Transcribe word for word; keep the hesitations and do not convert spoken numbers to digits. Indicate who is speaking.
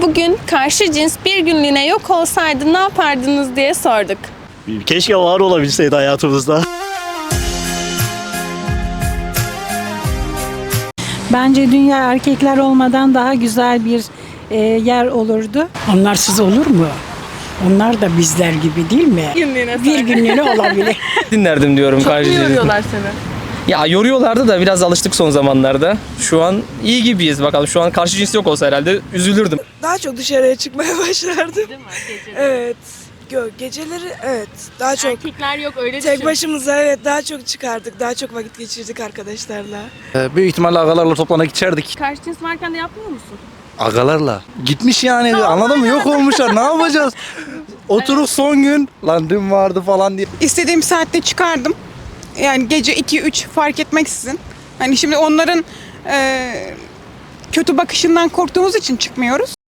Speaker 1: bugün karşı cins bir günlüğüne yok olsaydı ne yapardınız diye sorduk.
Speaker 2: Keşke var olabilseydi hayatımızda.
Speaker 3: Bence dünya erkekler olmadan daha güzel bir e, yer olurdu.
Speaker 4: Onlarsız olur mu? Onlar da bizler gibi değil mi?
Speaker 1: Günlüğüne
Speaker 4: Bir günlüğüne olabilir.
Speaker 5: Dinlerdim diyorum.
Speaker 1: Çok mu
Speaker 5: karşı cinsi.
Speaker 1: yoruyorlar seni?
Speaker 5: Ya yoruyorlardı da biraz alıştık son zamanlarda. Şu an iyi gibiyiz bakalım. Şu an karşı cins yok olsa herhalde üzülürdüm.
Speaker 6: Daha çok dışarıya çıkmaya başlardım.
Speaker 1: Değil mi? Geceleri.
Speaker 6: Evet. Gö geceleri evet daha çok
Speaker 1: Erkekler yok öyle
Speaker 6: tek
Speaker 1: düşün.
Speaker 6: başımıza evet daha çok çıkardık. Daha çok vakit geçirdik arkadaşlarla.
Speaker 7: Ee, büyük ihtimalle agalarla toplanıp içerdik.
Speaker 1: Karşı cins varken de yapmıyor musun?
Speaker 7: Agalarla. Gitmiş yani anladın mı? Yok olmuşlar ne yapacağız? Oturup son gün lan dün vardı falan diye.
Speaker 8: İstediğim saatte çıkardım. Yani gece iki üç fark etmeksizin. Hani şimdi onların e, kötü bakışından korktuğumuz için çıkmıyoruz.